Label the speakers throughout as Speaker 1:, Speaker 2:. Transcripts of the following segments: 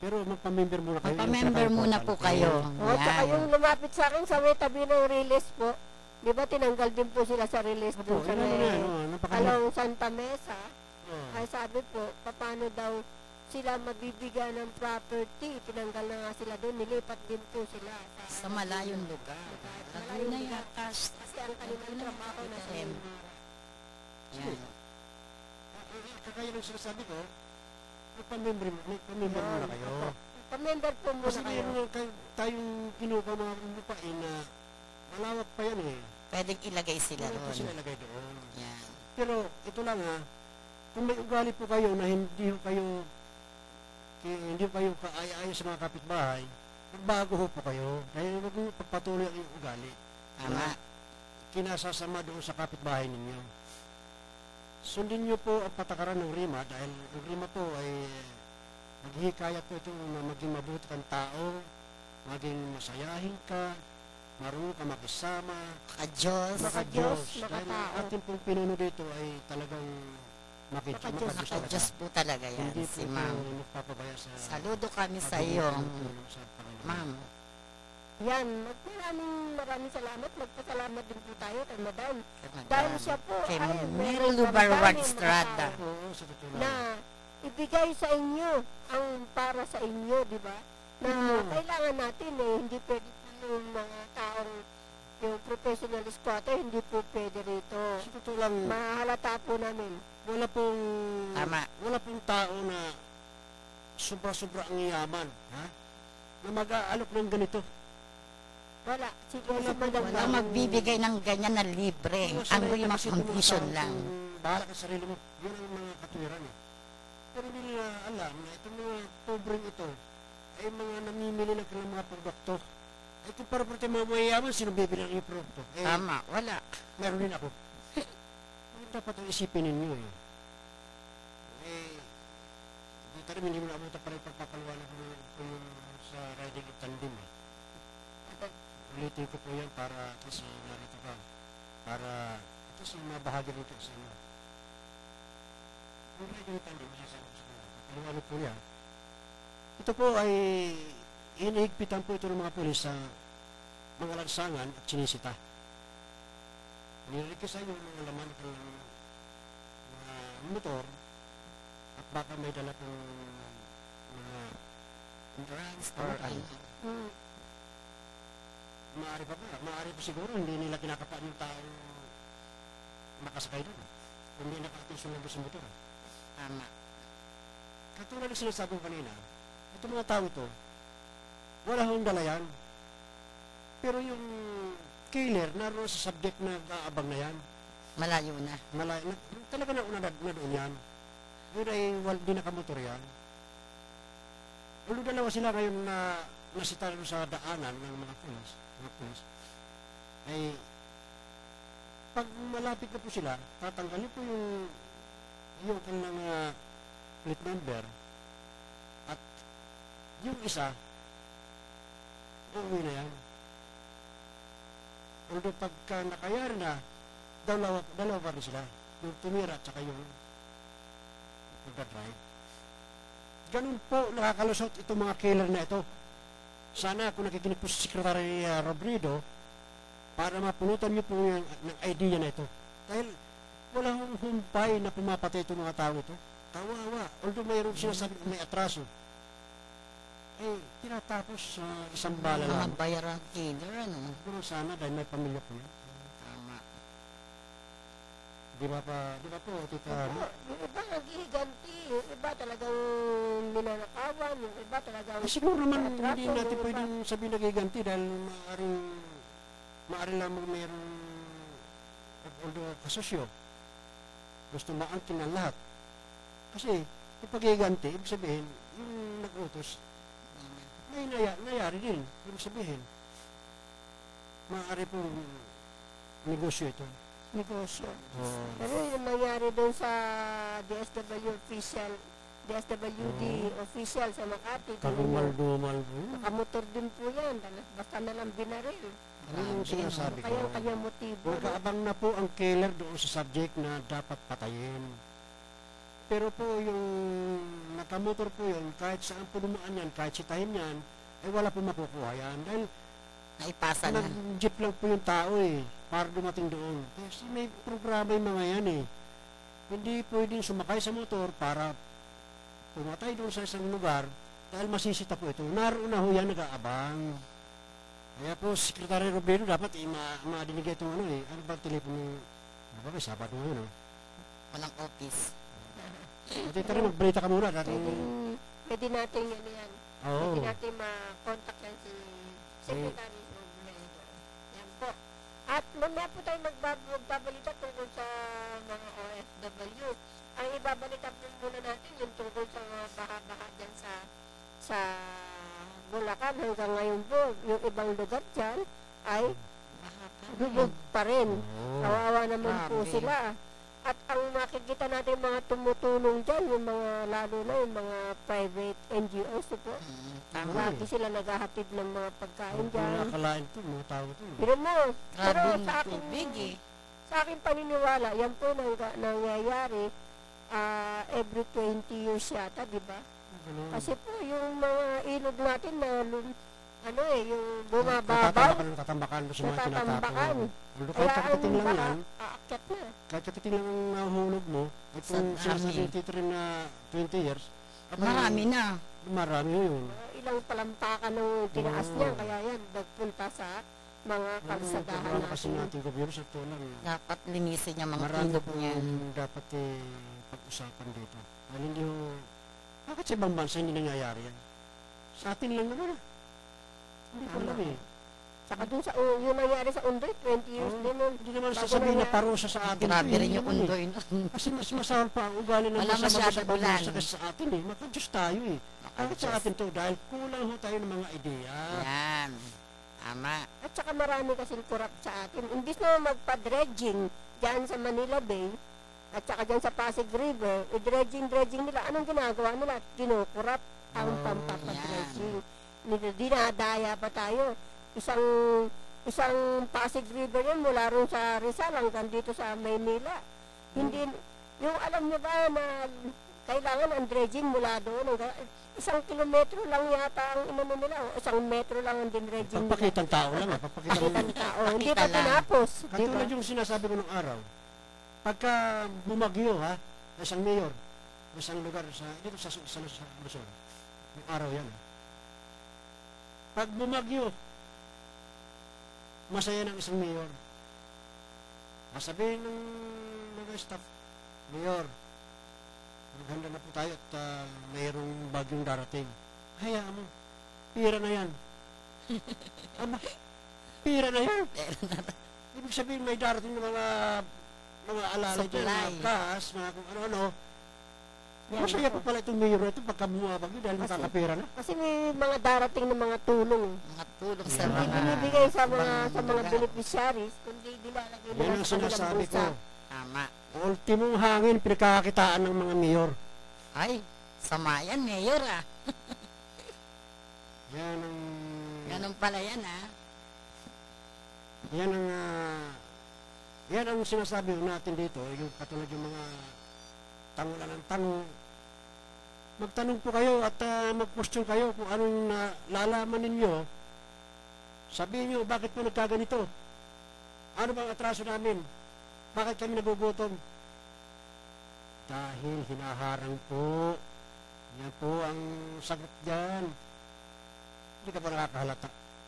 Speaker 1: Pero magpa-member muna kayo.
Speaker 2: Magpa-member muna po kayo.
Speaker 3: O, tsaka yung lumapit sa akin sa may tabi ng release po. Di ba tinanggal din po sila sa release
Speaker 1: Opo,
Speaker 3: dun sa
Speaker 1: yun
Speaker 3: may
Speaker 1: napakalaking.
Speaker 3: Along Santa Mesa.
Speaker 1: Oh.
Speaker 3: Ay sabi po, paano daw sila mabibigyan ng property. Tinanggal na nga sila doon, nilipat din po sila.
Speaker 2: Sa malayong lugar. Laguna yata.
Speaker 3: Kasi ang kanilang trabaho na sa
Speaker 2: Yan.
Speaker 1: Sige. Kaya yung sinasabi ko, magpa-member muna kayo.
Speaker 3: Pa-member po muna
Speaker 1: Kasi
Speaker 3: kayo.
Speaker 1: meron tayong kinuha mga lupain na malawak pa yan eh.
Speaker 2: Pwedeng ilagay sila
Speaker 1: Wala po
Speaker 2: doon.
Speaker 1: sila ilagay doon.
Speaker 2: Yan.
Speaker 1: Pero ito lang ha, kung may ugali po kayo na hindi kayo kaaya-aya sa mga kapitbahay, magbago ho po kayo. Dahil huwag mo pagpatuloy ang iyong ugali.
Speaker 2: Tama.
Speaker 1: Kinasasama doon sa kapitbahay ninyo. Sundin niyo po ang patakaran ng RIMA dahil ang RIMA po ay naghihikayat po ito na maging mabuti kang tao, maging masayahin ka, marunong ka makisama,
Speaker 2: Maka-Diyos.
Speaker 1: maka-Diyos. Dahil ang
Speaker 3: makatao.
Speaker 1: ating pong pinuno dito ay talagang
Speaker 3: Maka-Diyos.
Speaker 2: Maka-Diyos po talaga yan,
Speaker 1: Hindi
Speaker 2: si
Speaker 1: po
Speaker 2: ma'am.
Speaker 1: nagpapabaya sa
Speaker 2: Saludo kami sa iyo,
Speaker 1: pagtulong sa Panginoon.
Speaker 2: ma'am.
Speaker 3: Yan, maraming salamat. Magpasalamat din po tayo kay Madam. Dahil siya po
Speaker 2: Kay
Speaker 3: ay
Speaker 2: Mary
Speaker 3: meron
Speaker 2: Lubarwag
Speaker 3: daming mga
Speaker 2: Estrada.
Speaker 3: tao
Speaker 1: Oo, sa totoo lang.
Speaker 3: na ibigay sa inyo ang para sa inyo, di ba? Na kailangan natin eh, hindi pwede po yung mga taong yung professional squatter, hindi po pwede rito.
Speaker 1: Sa totoo lang,
Speaker 3: Mahalata po namin.
Speaker 1: wala pong
Speaker 2: Tama.
Speaker 1: wala pong tao na sobra-sobra ang yaman, ha? Na mag-aalok ng ganito.
Speaker 3: Wala. Sige,
Speaker 1: Wala
Speaker 3: si
Speaker 1: po,
Speaker 3: Madam
Speaker 2: Walang
Speaker 3: lang.
Speaker 2: magbibigay ng ganyan na libre.
Speaker 1: Kung
Speaker 2: Ang
Speaker 1: sanay ka
Speaker 2: RIMA
Speaker 1: kasi itong mga
Speaker 2: condition
Speaker 1: tao,
Speaker 2: lang.
Speaker 1: kung bahala ka sa sarili mo, yun ang mga katwiran eh. Pero hindi nila alam na itong mga pobreng ito ay mga namimili ng kanilang mga produkto. Ay kung para pati mga mayayaman, sino bibili ng iyong produkto? Eh,
Speaker 2: Tama, wala.
Speaker 1: meron din ako. Yun dapat ang isipin ninyo eh. Dito rin hindi mo na abutan pa rin pagpapaliwanag ko yung sa riding of tandem eh. Ulitin ko po yan para kasi narito ka. Para ito sa mga bahagi nito sa inyo. Yung riding of tandem, masasabi ko sa mga paliwanag po niya. Ito po ay hinihigpitan po ito ng mga pulis sa mga lansangan at sinisita. Nirikisa yung mga laman ng mga motor at baka may dala kong mga
Speaker 2: Drugs or ano.
Speaker 3: Hmm.
Speaker 1: maaari pa ba? Maaari pa siguro hindi nila kinakapaan yung taong nakasakay doon. Kung hindi naka-attention lang doon sa motor.
Speaker 2: Tama.
Speaker 1: Katulad ng sinasabi ko kanina, itong mga tao ito, wala hong dala yan. Pero yung killer, naroon sa subject na kaabang na yan.
Speaker 2: Malayo na.
Speaker 1: Talaga na doon yan. Yun ay di nakamotor yan. Ulo dalawa sila ngayon na nasita sa daanan ng mga pulis, ay pag malapit na po sila, tatanggalin po yung kanilang plate number at yung isa, uuwi na yan. Although pagka nakayari na, dalawa pa rin sila. Yung tumira at saka yung nagdadrive. Ganun po nakakalusot itong mga killer na ito. Sana kung nakikinig po si Secretary Robredo, para mapunutan niyo po yung ng idea na ito. Dahil wala hong humpay na pumapatay itong mga tao ito. Kawawa. Although mayroon sinasabi may atraso. Eh, tinatapos sa isang bala lang.
Speaker 2: Mga bayarang killer, ano?
Speaker 1: Pero sana dahil may pamilya po yan.
Speaker 2: Tama.
Speaker 1: Di ba po, tita?
Speaker 3: Yung iba naghihiganti, yung iba talagang ninanakawan, yung iba talagang...
Speaker 1: Siguro naman
Speaker 3: atraso,
Speaker 1: hindi natin
Speaker 3: yung iba-
Speaker 1: pwedeng sabihin nagiganti dahil maaari lamang mayroong although kasosyo gusto maangkin ng lahat. Kasi yung paghiganti, ibig sabihin, yung nag-utos, may nangyari din. Ibig sabihin, maaari pong negosyo ito.
Speaker 3: negosyo.
Speaker 1: Oh.
Speaker 3: Pero yung nangyari doon sa DSWD official sa Makati,
Speaker 1: Kagumal-dumal po.
Speaker 3: nakamotor din po yan, basta na lang binaril.
Speaker 1: Ano yung sinasabi ko?
Speaker 3: Kaya ang kanyang motibo.
Speaker 1: Magkaabang na po ang killer doon sa subject na dapat patayin. pero po yung nakamotor po yun, kahit saan po dumaan yan, kahit sitahin yan, ay wala po makukuha yan. Dahil
Speaker 2: Naipasa na.
Speaker 1: nag-jeep lang po yung tao eh, para dumating doon. Kasi may programa yung mga yan eh. Hindi pwedeng sumakay sa motor para pumatay doon sa isang lugar dahil masisita po ito. Naroon na ho yan nag-aabang. Kaya po, Secretary Robredo dapat madinig itong ano eh. Ano ba telepono? Ano ba, may Sabado ngayon, no?
Speaker 2: Walang office.
Speaker 1: Pati rin, magbalita ka muna.
Speaker 3: Pwede natin ano yan.
Speaker 1: Oo.
Speaker 3: Pwede natin ma-contact yan si Secretary Robredo. Yan po. At mamaya po tayo magbabalita tungkol sa mga OFW. Ang ibabalita po muna natin yung tungkol sa mga baha-baha dyan sa Bulacan. Hanggang ngayon po, yung ibang lugar dyan ay lubog pa rin. Kawawa naman po
Speaker 2: Grabe.
Speaker 3: sila. At ang makikita natin mga tumutulong dyan, yung mga lalo na yung mga private NGOs po.
Speaker 2: Tama.
Speaker 3: Lagi sila naghahatid ng mga pagkain
Speaker 1: Kung
Speaker 3: dyan.
Speaker 1: nakakalain to, mga tao to.
Speaker 3: Pero mo, pero
Speaker 2: Grabe yung
Speaker 3: sa akin,
Speaker 2: tubig eh.
Speaker 3: sa akin paniniwala, yan po nangyayari every 20 years yata, di ba?
Speaker 1: Ganun.
Speaker 3: Kasi po yung mga ilog natin na yung bumababaw,
Speaker 1: Natatambakan doon sa mga
Speaker 3: natatambakan.
Speaker 1: tinatapon. Although
Speaker 3: Kaya
Speaker 1: kahit
Speaker 3: ang
Speaker 1: katiting lang
Speaker 3: baka
Speaker 1: yan,
Speaker 3: aakyat na.
Speaker 1: kahit katiting lang ang nahuhulog mo, at
Speaker 2: Sa
Speaker 1: kung
Speaker 2: dami.
Speaker 1: sinasabi tito rin na 20 years, abay,
Speaker 2: Marami na.
Speaker 1: Marami yun.
Speaker 3: Ilang palampakan ng tinaas
Speaker 1: Oo.
Speaker 3: niya, kaya yan, nagpunta sa mga kalsadahan
Speaker 1: Programa kasi
Speaker 3: natin.
Speaker 1: natin gobyerno sa tulang.
Speaker 2: Dapat linisin yung mga
Speaker 1: Marami
Speaker 2: ilog
Speaker 1: po
Speaker 2: niya.
Speaker 1: dapat pag-usapan dito. Dahil hindi ho, bakit sa ibang bansa hindi nangyayari yan? Sa atin lang naman. Hindi ko alam eh.
Speaker 3: Saka dun sa, yung nangyari sa Undoy, 20 years
Speaker 1: Oo.
Speaker 3: din nun.
Speaker 1: Hindi naman
Speaker 3: Bago
Speaker 1: sasabihin na
Speaker 3: nangyari.
Speaker 1: parusa sa atin.
Speaker 2: Grabe
Speaker 1: to,
Speaker 2: rin
Speaker 1: hindi
Speaker 2: yung
Speaker 1: naman eh.
Speaker 2: undoy nun.
Speaker 1: Kasi mas masama pa ang ugali ng
Speaker 2: Wala
Speaker 1: masama sa
Speaker 2: masyadong
Speaker 1: ibang
Speaker 2: ulan.
Speaker 1: bansa kaysa sa atin eh. Maka-Diyos tayo eh. Bakit sa atin to? Dahil kulang ho tayo ng mga ideya.
Speaker 2: Yan. Tama.
Speaker 3: At saka marami kasing corrupt sa atin. Imbis na magpa-dredging dyan sa Manila Bay, at saka dyan sa Pasig River, dredging nila. Anong ginagawa nila? Kinukurap ang
Speaker 1: Oh,
Speaker 3: pampapadredging. Dinadaya pa tayo. Isang Pasig River yan mula ron sa Rizal hanggang dito sa Maynila. Hindi, yung alam niyo ba na kailangan ang dredging mula doon. 1 kilometro lang yata ang inano nila. O 1 metro lang ang dinredging nila.
Speaker 1: Pagpakitang tao lang ah. Pagpakitang
Speaker 3: Pakitang tao. Hindi pa
Speaker 2: Pakita lang.
Speaker 3: tinapos. Di ba?
Speaker 1: Katulad yung sinasabi ko nung araw. Pagka bumagyo ha, isang mayor, isang lugar dito sa Luzon. Yung araw yan. Pag bumagyo, masaya ng isang mayor. Sabihin ng mga staff, Mayor, maghanda na po tayo at mayroong bagyong darating. Hayaan mo, pira na yan. Ama, pira na yan. Ibig sabihin may darating na mga alalay dyan,
Speaker 2: Supply.
Speaker 1: mga gas, mga kung ano-ano.
Speaker 3: Yan.
Speaker 1: Masaya pa pala itong mayor na ito pagka bumabagyo dahil
Speaker 3: Kasi-
Speaker 1: makakapira na.
Speaker 3: Kasi may mga darating na mga tulong.
Speaker 2: Mga tulong sa
Speaker 1: Hindi
Speaker 3: Hindi
Speaker 2: mga...
Speaker 3: binibigay sa mga
Speaker 2: lugar.
Speaker 3: beneficiaries, kundi nilalagay
Speaker 1: Yan
Speaker 3: nila
Speaker 1: ang
Speaker 3: sa kanilang
Speaker 1: sinasabi ko.
Speaker 3: bulsa.
Speaker 2: Tama.
Speaker 1: Ultimong hangin, pinagkakakitaan ng mga mayor.
Speaker 2: Ay, sama yan, Mayor ah.
Speaker 1: Yan ang...
Speaker 2: Ganun pala yan ah.
Speaker 1: Yan ang... yan ang sinasabi natin dito, yung katulad yung mga tangulan ng tanong. Magtanong po kayo at mag-question kayo kung anong lalaman ninyo. Sabihin nyo, bakit po nagkaganito? Ano bang atraso namin? Bakit kami nagugutom? Dahil hinaharang po. Yan po ang sagot dyan. Hindi ka pa nakakahalata.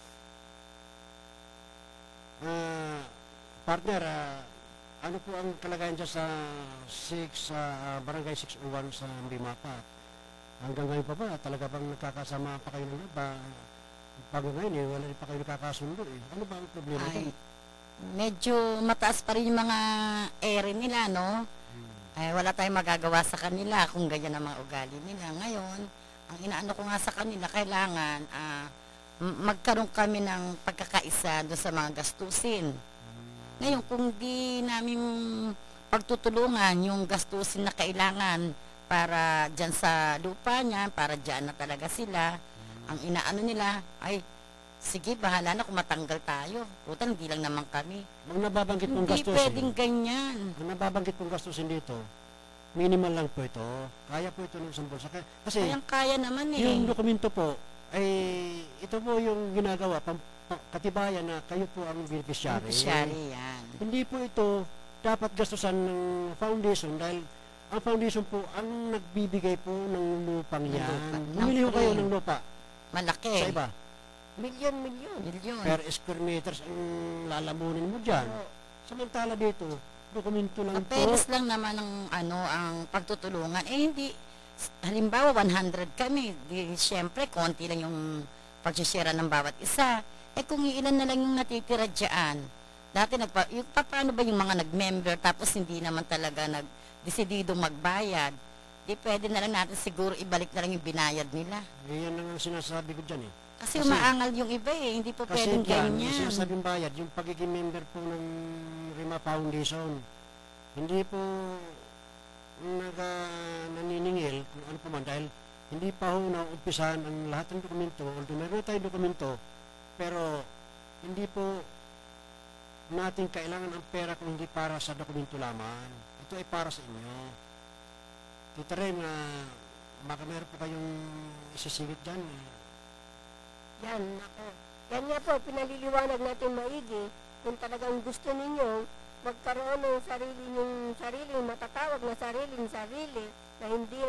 Speaker 1: Partner, ano po ang kalagayan dyan sa barangay 601 sa Bimapa? Hanggang ngayon pa ba? Talaga bang nagkakasama pa kayo ng ba? Bago ngayon wala rin pa kayo nakakasundo eh. Ano ba ang problema
Speaker 2: Ay,
Speaker 1: ito?
Speaker 2: medyo mataas pa rin yung mga ere nila, no? Ay, wala tayong magagawa sa kanila kung ganyan ang mga ugali nila. Ngayon, ang inaano ko nga sa kanila, kailangan magkaroon kami ng pagkakaisa doon sa mga gastusin. Ngayon, kung di namin pagtutulungan yung gastusin na kailangan para dyan sa lupa niya, para dyan na talaga sila, ang inaano nila, ay, sige, bahala na kung matanggal tayo. Putan, hindi lang naman kami.
Speaker 1: Ang nababanggit pong
Speaker 2: Hindi
Speaker 1: gastusin.
Speaker 2: pwedeng ganyan.
Speaker 1: Ang nababanggit pong gastusin dito, minimal lang po ito. Kaya po ito ng isang bulsa. Kasi
Speaker 2: Kayang-kaya naman eh.
Speaker 1: yung dokumento po, ay ito po yung ginagawa, katibayan na kayo po ang beneficiary.
Speaker 2: Beneficiary yan.
Speaker 1: Hindi po ito dapat gastusan ng foundation dahil ang foundation po ang nagbibigay po ng lupang
Speaker 2: Ng
Speaker 1: yan.
Speaker 2: lupa.
Speaker 1: Bumili ho
Speaker 2: Ng
Speaker 1: kayo
Speaker 2: free.
Speaker 1: ng lupa
Speaker 2: Malaki.
Speaker 1: sa iba.
Speaker 3: Milyon.
Speaker 2: Milyon.
Speaker 1: Per square meters ang lalamunin mo dyan.
Speaker 3: Oo.
Speaker 1: Samantala dito, dokumento lang po.
Speaker 2: Papeles lang naman ang pagtutulungan. Hindi, halimbawa 100 kami, di syempre konti lang yung pagsishare ng bawat isa. Kung ilan na lang yung natitira dyan, dati paano ba yung mga nag-member tapos hindi naman talaga nag-desidido magbayad, di pwede na lang natin siguro ibalik na lang yung binayad nila.
Speaker 1: Yan ang sinasabi ko dyan eh.
Speaker 2: Kasi umaangal yung iba hindi po
Speaker 1: Kasi
Speaker 2: pwedeng
Speaker 1: dyan, yung
Speaker 2: ganyan.
Speaker 1: sinasabing bayad, yung pagiging member po ng Rima Foundation, hindi po naniningil kung ano pa man dahil hindi pa ho naumpisahan ang lahat ng dokumento, although meron tayong dokumento, pero hindi po natin kailangan ang pera kung hindi para sa dokumento lamang. Ito ay para sa inyo. Tita rin na baka meron po kayong isisingit dyan.
Speaker 3: Yan, ako. Yan nga po, pinaliliwanag natin maigi kung talagang gusto ninyo magkaroon ng sariling matatawag na sarili na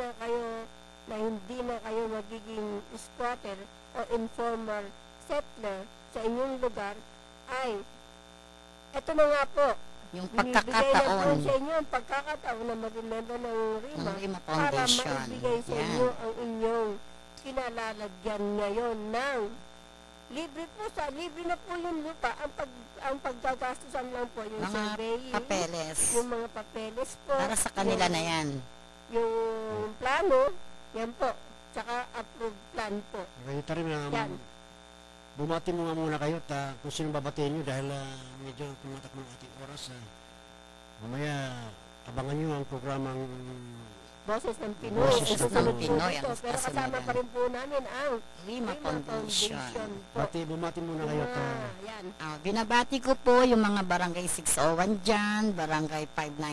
Speaker 3: hindi na kayo magiging squatter o informal settler sa inyong lugar ay eto na nga po,
Speaker 2: Yung
Speaker 3: binibigay na po
Speaker 2: pagkakataon
Speaker 3: sa inyo ang pagkakataon na maging member ng RIMA
Speaker 2: ng Rima
Speaker 3: para
Speaker 2: Foundation.
Speaker 3: maibigay sa
Speaker 2: Yan.
Speaker 3: inyo ang inyong kinalalagyan ngayon ng libre na po yung lupa. Ang paggagastusan lang po yung
Speaker 2: Mga
Speaker 3: surveying,
Speaker 2: papeles.
Speaker 3: yung mga papeles po,
Speaker 2: Para sa kanila
Speaker 3: yung,
Speaker 2: na yan.
Speaker 3: yung plano, yan po, tsaka approved plan po.
Speaker 1: Kaya rin na
Speaker 3: Yan.
Speaker 1: bumati mo nga muna kayo kung sino babatiin nyo dahil medyo tumatak ng ating oras. Mamaya abangan nyo ang programang
Speaker 3: Boses ng Pinoy.
Speaker 1: Boses
Speaker 3: Ito
Speaker 1: ng
Speaker 3: sunod po
Speaker 1: Pinoy,
Speaker 3: dito.
Speaker 2: ang
Speaker 3: Pero kasama
Speaker 2: kasunod
Speaker 3: pa rin po namin ang
Speaker 2: Rima Foundation.
Speaker 3: po.
Speaker 1: bumati muna kayo
Speaker 3: Yan.
Speaker 2: Binabati ko po yung mga barangay 601 dyan, barangay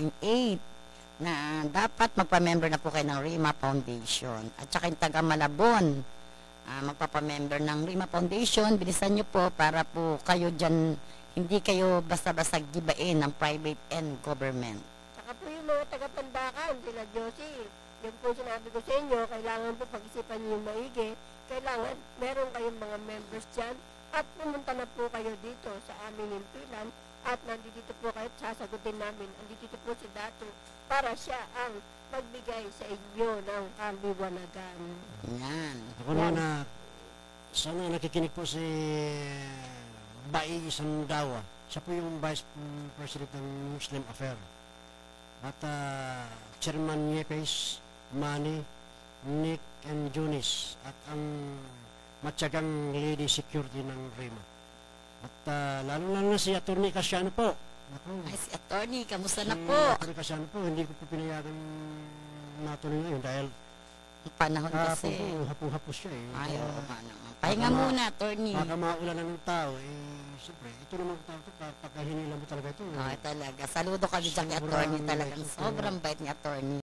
Speaker 2: 598 na dapat magpa-member na po kayo ng Rima Foundation. At saka yung taga Malabon, magpapa-member ng Rima Foundation, bilisan nyo po para po kayo dyan, hindi kayo basta-basta gibain ng private and government.
Speaker 3: Saka po yung mga taga-Pandakan, sila Josie, yung po sinabi ko sa inyo, kailangan po pag-isipan niyo yung maigi, kailangan meron kayong mga members dyan, at pumunta na po kayo dito sa aming himpilan, at nandito po kayo, sasagutin namin, nandito po si Dato, para siya ang magbigay sa inyo ng kaliwanagan.
Speaker 2: Yan.
Speaker 1: Ako naman na sana nakikinig po si Bai Sandawa. Siya po yung Vice President ng Muslim Affair. At Chairman Yepes, Manny, Nick and Junis at ang matyagang lady security ng Rima. At lalo-lalo na si Atty. Casiano po. Ako,
Speaker 2: Ay, si attorney, kamusta na
Speaker 1: si
Speaker 2: po?
Speaker 1: Atty. Casiano po, hindi ko po pinayagan natuloy ngayon dahil
Speaker 2: Ang panahon kasi.
Speaker 1: hapong-hapos siya eh.
Speaker 2: Ay,
Speaker 1: Kaya,
Speaker 2: oo nga naman. Pahinga muna, attorney.
Speaker 1: baka maulan na ng tao, siyempre, ito naman ang tao ito, pagka hinila mo talaga ito.
Speaker 2: Ay, talaga. Saludo kami dyan kay attorney talagang sobrang bait ni attorney.